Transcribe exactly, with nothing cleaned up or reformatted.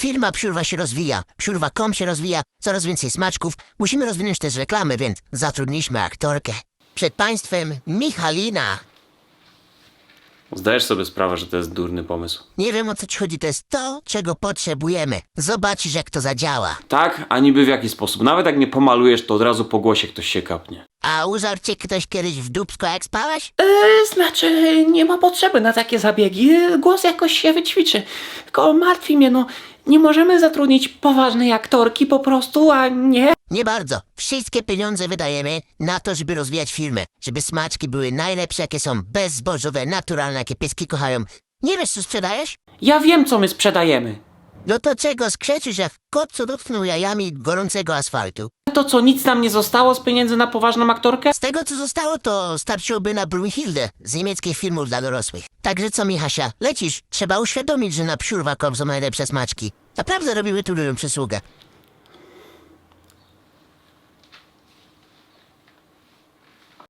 Firma Psiurwa się rozwija, psiurwa kropka com się rozwija, coraz więcej smaczków. Musimy rozwinąć też reklamy, więc zatrudniliśmy aktorkę. Przed państwem Michalina. Zdajesz sobie sprawę, że to jest durny pomysł. Nie wiem, o co ci chodzi, to jest to, czego potrzebujemy. Zobaczysz, jak to zadziała. Tak, a niby w jaki sposób? Nawet jak nie pomalujesz, to od razu po głosie ktoś się kapnie. A użarł cię ktoś kiedyś w dupsko, jak spałeś? E, znaczy, nie ma potrzeby na takie zabiegi. Głos jakoś się wyćwiczy. Tylko martwi mnie, no, nie możemy zatrudnić poważnej aktorki po prostu, a nie... Nie bardzo. Wszystkie pieniądze wydajemy na to, żeby rozwijać firmę. Żeby smaczki były najlepsze, jakie są, bezzbożowe, naturalne, jakie pieski kochają. Nie wiesz, co sprzedajesz? Ja wiem, co my sprzedajemy. No to czego skrzeczysz, jak kot, co dotknął jajami gorącego asfaltu? To co, nic nam nie zostało z pieniędzy na poważną aktorkę? Z tego, co zostało, to starczyłoby na Brunhilde z niemieckich filmów dla dorosłych. Także co, Michasia, lecisz? Trzeba uświadomić, że na psiurwa kropka com są najlepsze smaczki. Naprawdę robimy tu ludziom przysługę.